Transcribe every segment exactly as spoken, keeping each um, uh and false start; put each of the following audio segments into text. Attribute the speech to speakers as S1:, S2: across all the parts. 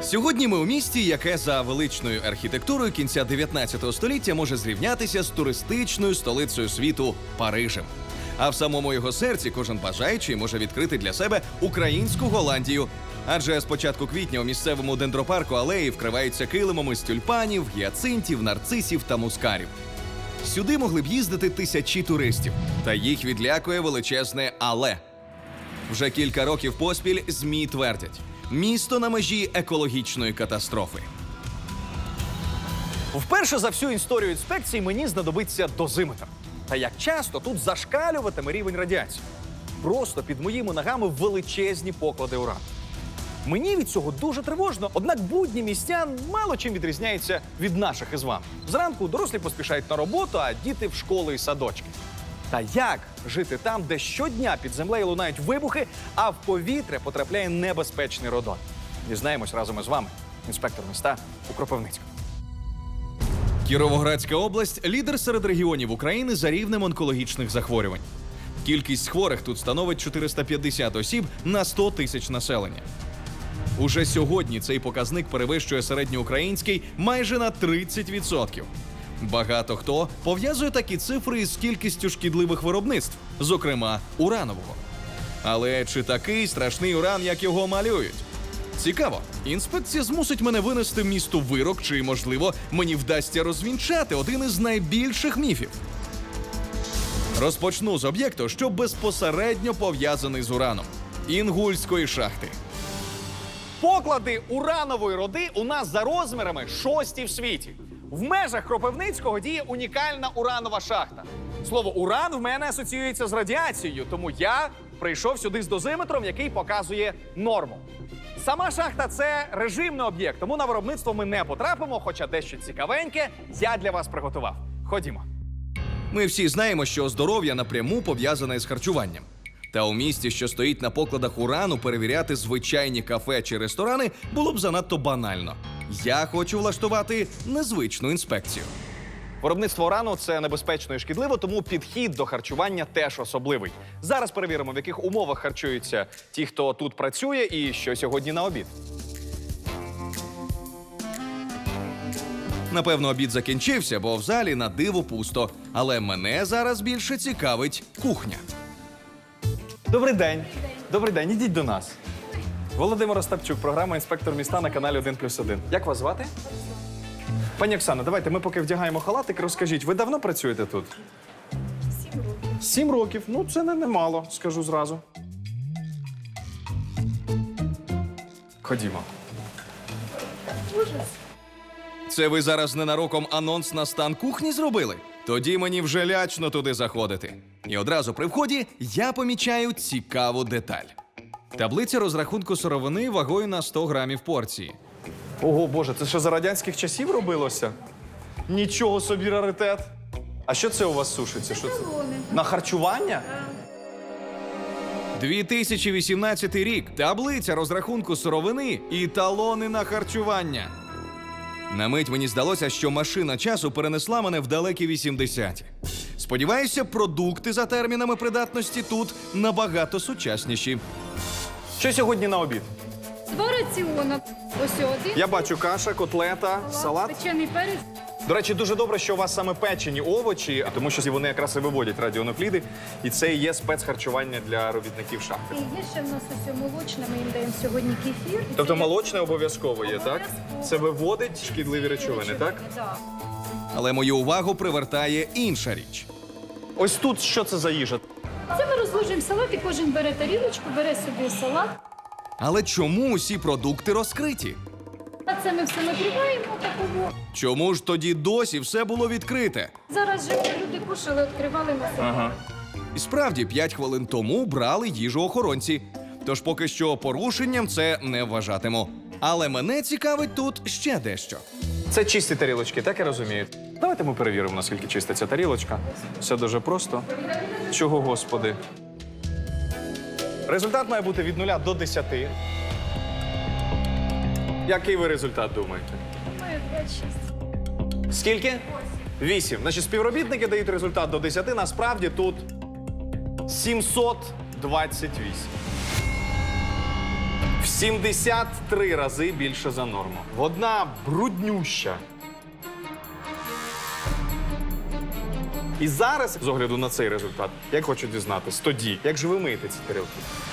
S1: Сьогодні ми у місті, яке за величною архітектурою кінця дев'ятнадцятого століття може зрівнятися з туристичною столицею світу Парижем. А в самому його серці кожен бажаючий може відкрити для себе українську Голландію. Адже з початку квітня у місцевому дендропарку алеї вкриваються килимами з тюльпанів, гіацинтів, нарцисів та мускарів. Сюди могли б їздити тисячі туристів, та їх відлякує величезне «але». Вже кілька років поспіль ЗМІ твердять – місто на межі екологічної катастрофи.
S2: Вперше за всю історію інспекції мені знадобиться дозиметр. Та як часто тут зашкалюватиме рівень радіації? Просто під моїми ногами величезні поклади урану. Мені від цього дуже тривожно, однак будні містян мало чим відрізняються від наших із вами. Зранку дорослі поспішають на роботу, а діти в школи і садочки. Та як жити там, де щодня під землею лунають вибухи, а в повітря потрапляє небезпечний радон? Дізнаємось разом із вами. Інспектор міста у Кропивницькому.
S1: Кіровоградська область – лідер серед регіонів України за рівнем онкологічних захворювань. Кількість хворих тут становить чотириста п'ятдесят осіб на сто тисяч населення. Уже сьогодні цей показник перевищує середньоукраїнський майже на тридцять відсотків. Багато хто пов'язує такі цифри із кількістю шкідливих виробництв, зокрема уранового. Але чи такий страшний уран, як його малюють? Цікаво, інспекція змусить мене винести місту вирок, чи, можливо, мені вдасться розвінчати один із найбільших міфів. Розпочну з об'єкту, що безпосередньо пов'язаний з ураном – Інгульської шахти.
S2: Поклади уранової руди у нас за розмірами шості в світі. В межах Кропивницького діє унікальна уранова шахта. Слово «уран» в мене асоціюється з радіацією, тому я прийшов сюди з дозиметром, який показує норму. Сама шахта – це режимний об'єкт, тому на виробництво ми не потрапимо, хоча дещо цікавеньке я для вас приготував. Ходімо.
S1: Ми всі знаємо, що здоров'я напряму пов'язане з харчуванням. Та у місті, що стоїть на покладах урану, перевіряти звичайні кафе чи ресторани було б занадто банально. Я хочу влаштувати незвичну інспекцію.
S2: Виробництво урану – це небезпечно і шкідливо, тому підхід до харчування теж особливий. Зараз перевіримо, в яких умовах харчуються ті, хто тут працює, і що сьогодні на обід.
S1: Напевно, обід закінчився, бо в залі на диво пусто. Але мене зараз більше цікавить кухня.
S2: Добрий день. Добрий день, ідіть до нас. Володимир Остапчук, програма «Інспектор міста» на каналі один плюс один. Як вас звати? Пані Оксано, давайте ми поки вдягаємо халатик, розкажіть, ви давно працюєте тут?
S3: Сім років.
S2: Сім років. Ну, це не немало, скажу зразу. Ходімо.
S3: Ужас.
S1: Це ви зараз ненароком анонс на стан кухні зробили? Тоді мені вже лячно туди заходити. І одразу при вході я помічаю цікаву деталь. Таблиця розрахунку сировини вагою на сто грамів порції.
S2: Ого, Боже, це що за радянських часів робилося? Нічого собі раритет. А що це у вас сушиться? Що це?
S3: Талони.
S2: На харчування?
S1: дві тисячі вісімнадцятий рік. Таблиця розрахунку сировини і талони на харчування. На мить мені здалося, що машина часу перенесла мене в далекі вісімдесяті. Сподіваюся, продукти за термінами придатності тут набагато сучасніші.
S2: Що сьогодні на обід?
S3: Два раціона. Ось один.
S2: Я бачу каша, котлета, салат.
S3: Печений перець.
S2: До речі, дуже добре, що у вас саме печені овочі, тому що вони якраз і виводять радіонукліди. І це і є спецхарчування для робітників шахти.
S3: І є ще в нас ось молочне, ми їм даємо сьогодні кефір. І
S2: Тобто
S3: це
S2: молочне обов'язково є, так?
S3: Обов'язково.
S2: Це виводить шкідливі речовини, так?
S3: Так.
S1: Але мою увагу привертає інша річ.
S2: Ось тут що це за їжа?
S3: Це ми розложуємо салат, і кожен бере тарілочку, бере собі салат.
S1: Але чому усі продукти розкриті?
S3: А це ми все накриваємо такого.
S1: Чому ж тоді досі все було відкрите?
S3: Зараз же люди кушали, відкривали на себе.
S2: Ага.
S1: І справді, п'ять хвилин тому брали їжу охоронці. Тож поки що порушенням це не вважатиму. Але мене цікавить тут ще дещо.
S2: Це чисті тарілочки, так я розумію? Давайте ми перевіримо, наскільки чиста ця тарілочка. Все дуже просто. Чого, Господи? Результат має бути від нуля до десяти. Який ви результат думаєте?
S3: Має п'ять шість.
S2: Скільки? Вісім. Значить, співробітники дають результат до десяти, насправді тут сімсот двадцять вісім. В сімдесят три рази більше за норму. Одна бруднюща. І зараз, з огляду на цей результат, як хочу дізнатись, тоді, як же ви миєте ці тарілки?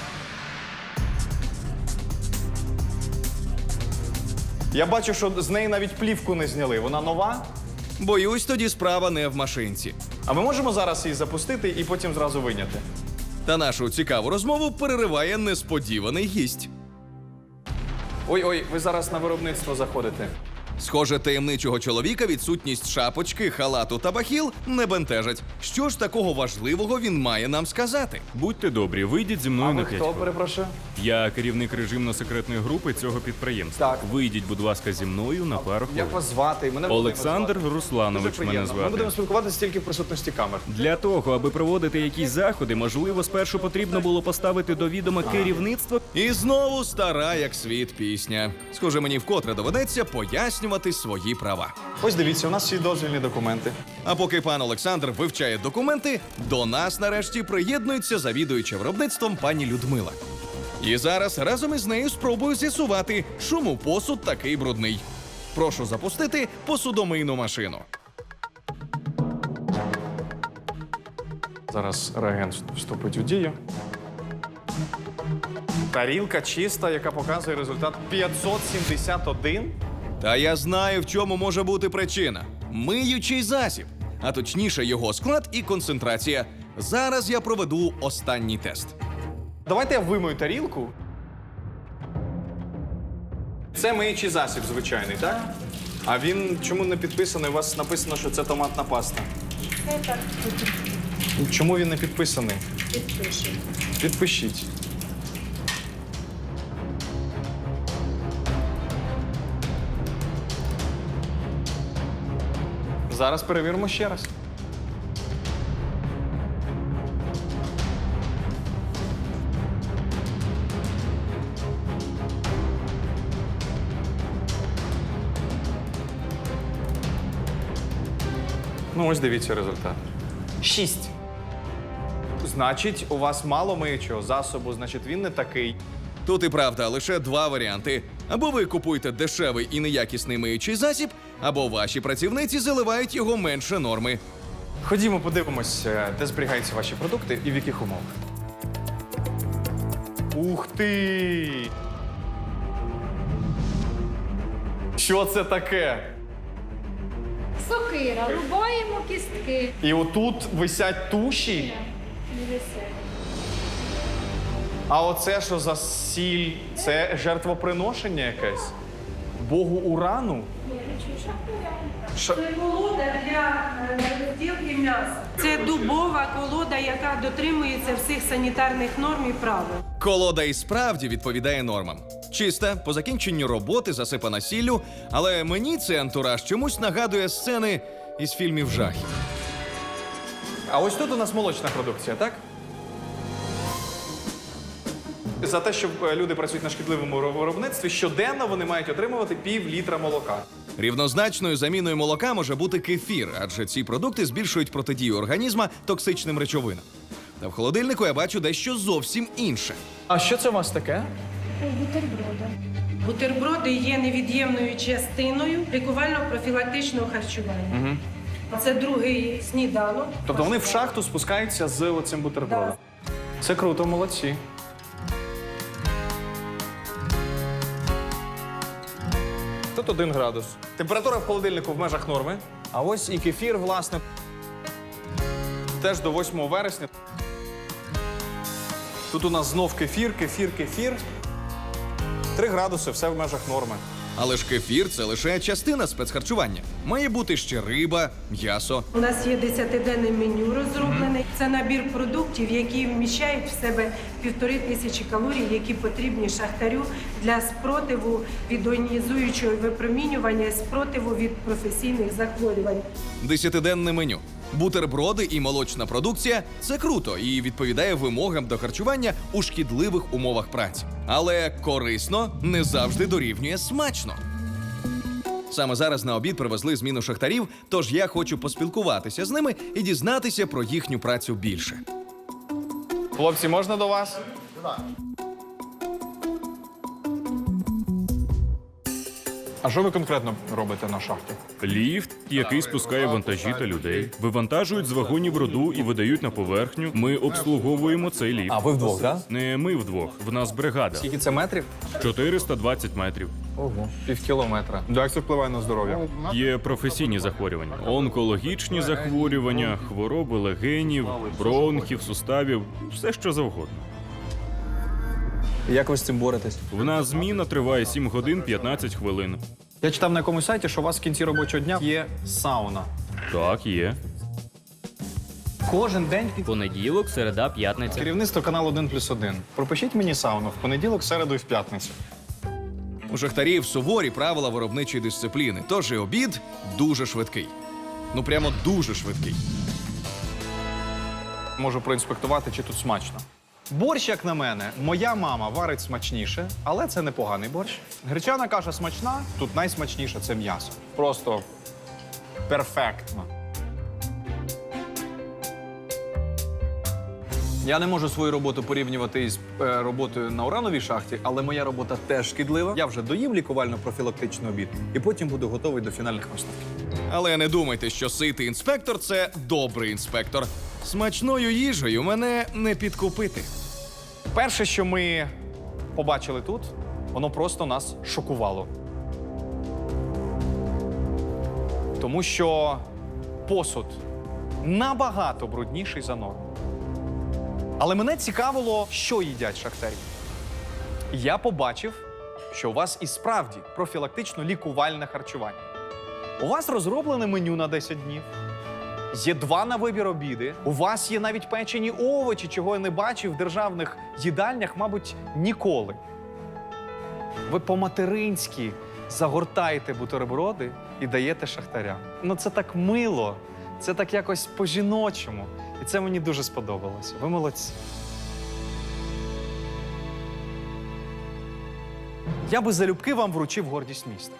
S2: Я бачу, що з неї навіть плівку не зняли. Вона нова.
S1: Боюсь, тоді справа не в машинці.
S2: А ми можемо зараз її запустити і потім зразу виняти?
S1: Та нашу цікаву розмову перериває несподіваний гість.
S2: Ой-ой, ви зараз на виробництво заходите.
S1: Схоже, таємничого чоловіка відсутність шапочки, халату та бахіл не бентежить. Що ж такого важливого він має нам сказати?
S4: Будьте добрі, вийдіть зі мною
S2: А
S4: на
S2: ви
S4: п'ять
S2: хто,
S4: хвилин.
S2: перепрошую?
S4: Я керівник режимно-секретної групи цього підприємства.
S2: Так.
S4: Вийдіть, будь ласка, зі мною на пару хвилин.
S2: Як вас звати? Мене
S4: Олександр
S2: Дуже
S4: Русланович мене
S2: приємно. Ми
S4: звати.
S2: будемо спілкуватися тільки в присутності камер.
S4: Для того, аби проводити якісь заходи, можливо, спершу потрібно було поставити до відома керівництво.
S1: І знову стара, як світ, пісня. Схоже, мені вкотре доведеться пояснювати свої права.
S2: Ось дивіться, у нас всі дозвільні документи.
S1: А поки пан Олександр вивчає документи, до нас нарешті приєднується завідуюча виробництвом пані Людмила. І зараз разом із нею спробую з'ясувати, чому посуд такий брудний. Прошу запустити посудомийну машину.
S2: Зараз реагент вступить у дію. Тарілка чиста, яка показує результат п'ятсот сімдесят один.
S1: Та я знаю, в чому може бути причина. Миючий засіб, а точніше його склад і концентрація. Зараз я проведу останній тест.
S2: Давайте я вимою тарілку. Це миючий засіб звичайний, так? А він чому не підписаний? У вас написано, що це томатна паста.
S3: Це так
S2: Чому він не підписаний?
S3: підпишемо.
S2: Підпишіть. Зараз перевіримо ще раз. Ну, ось дивіться результат. Шість. Значить, у вас мало миючого засобу, значить він не такий.
S1: Тут і правда лише два варіанти. Або ви купуєте дешевий і неякісний миючий засіб, або ваші працівниці заливають його менше норми.
S2: Ходімо, подивимось, е, де зберігаються ваші продукти і в яких умовах. Ух ти! Що це таке?
S3: Сокира, рубаємо кістки.
S2: І отут висять туші.
S3: Не висять.
S2: А оце що за сіль? Це жертвоприношення якесь? Богу урану? Ша-
S5: Це колода для е, розділки м'яса. Це дубова колода, яка дотримується всіх санітарних норм і правил.
S1: Колода і справді відповідає нормам. Чиста, по закінченню роботи засипана сіллю, але мені цей антураж чомусь нагадує сцени із фільмів жахів.
S2: А ось тут у нас молочна продукція, так? За те, що е, люди працюють на шкідливому виробництві, щоденно вони мають отримувати пів літра молока.
S1: Рівнозначною заміною молока може бути кефір, адже ці продукти збільшують протидію організма токсичним речовинам. Та в холодильнику я бачу дещо зовсім інше.
S2: А що це у вас таке?
S3: Бутерброди.
S5: Бутерброди є невід'ємною частиною лікувально-профілактичного харчування. Це другий сніданок.
S2: Тобто вони в шахту спускаються з оцим бутербродом. Це круто, молодці. Тут один градус. Температура в холодильнику в межах норми. А ось і кефір, власне. Теж до восьмого вересня. Тут у нас знов кефір, кефір, кефір. Три градуси, все в межах норми.
S1: Але ж кефір це лише частина спецхарчування. Має бути ще риба, м'ясо.
S5: У нас є десятиденне меню розроблене. Це набір продуктів, які вміщають в себе півтори тисячі калорій, які потрібні шахтарю для спротиву від іонізуючого випромінювання, спротиву від професійних захворювань.
S1: Десятиденне меню. Бутерброди і молочна продукція – це круто і відповідає вимогам до харчування у шкідливих умовах праці. Але корисно не завжди дорівнює смачно. Саме зараз на обід привезли зміну шахтарів, тож я хочу поспілкуватися з ними і дізнатися про їхню працю більше.
S2: Хлопці, можна до вас? А що ви конкретно робите на шахті?
S4: Ліфт, який спускає вантажі та людей, вивантажують з вагонів руду і видають на поверхню. Ми обслуговуємо цей ліфт.
S2: А, ви вдвох, так?
S4: Не ми вдвох, в нас бригада.
S2: Скільки це метрів?
S4: чотириста двадцять метрів.
S2: Ого, пів кілометра. Як це впливає на здоров'я?
S4: Є професійні захворювання, онкологічні захворювання, хвороби легенів, бронхів, суставів, все що завгодно.
S2: Як ви з цим боретесь?
S4: В нас зміна триває сім годин п'ятнадцять хвилин.
S2: Я читав на якомусь сайті, що у вас в кінці робочого дня є сауна.
S4: Так, є.
S2: Кожен день під
S6: Понеділок, середа, п'ятниця.
S2: керівництво каналу один плюс один. Пропишіть мені сауну в понеділок, середу і в п'ятницю.
S1: У шахтарів суворі правила виробничої дисципліни, тож і обід дуже швидкий. Ну прямо дуже швидкий.
S2: Можу проінспектувати, чи тут смачно. Борщ, як на мене, моя мама варить смачніше, але це непоганий борщ. Гречана каша смачна, тут найсмачніше це м'ясо. Просто перфектно. Я не можу свою роботу порівнювати із е, роботою на урановій шахті, але моя робота теж шкідлива. Я вже доїм лікувально-профілактичний обід і потім буду готовий до фінальних висновків.
S1: Але не думайте, що ситий інспектор це добрий інспектор. Смачною їжею мене не підкупити.
S2: Перше, що ми побачили тут, воно просто нас шокувало. Тому що посуд набагато брудніший за норму. Але мене цікавило, що їдять шахтарі. Я побачив, що у вас і справді профілактично-лікувальне харчування. У вас розроблене меню на десять днів. Є два на вибір обіди. У вас є навіть печені овочі, чого я не бачив в державних їдальнях, мабуть, ніколи. Ви по-материнськи загортаєте бутерброди і даєте шахтарям. Ну це так мило, це так якось по-жіночому. І це мені дуже сподобалося. Ви молодці. Я би залюбки вам вручив гордість міста.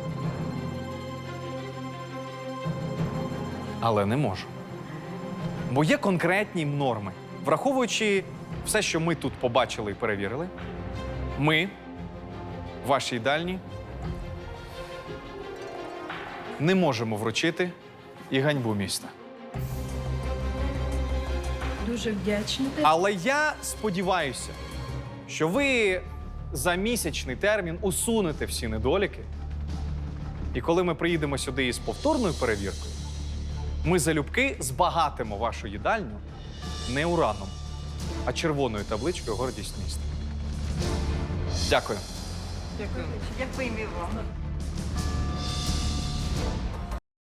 S2: Але не можу. Бо є конкретні норми. Враховуючи все, що ми тут побачили і перевірили, ми, в вашій їдальні, не можемо вручити і ганьбу міста.
S3: Дуже вдячна.
S2: Але я сподіваюся, що ви за місячний термін усунете всі недоліки. І коли ми приїдемо сюди із повторною перевіркою, ми залюбки збагатимо вашу їдальню не ураном, а червоною табличкою «Гордість міста». Дякую.
S5: Дякую і вам.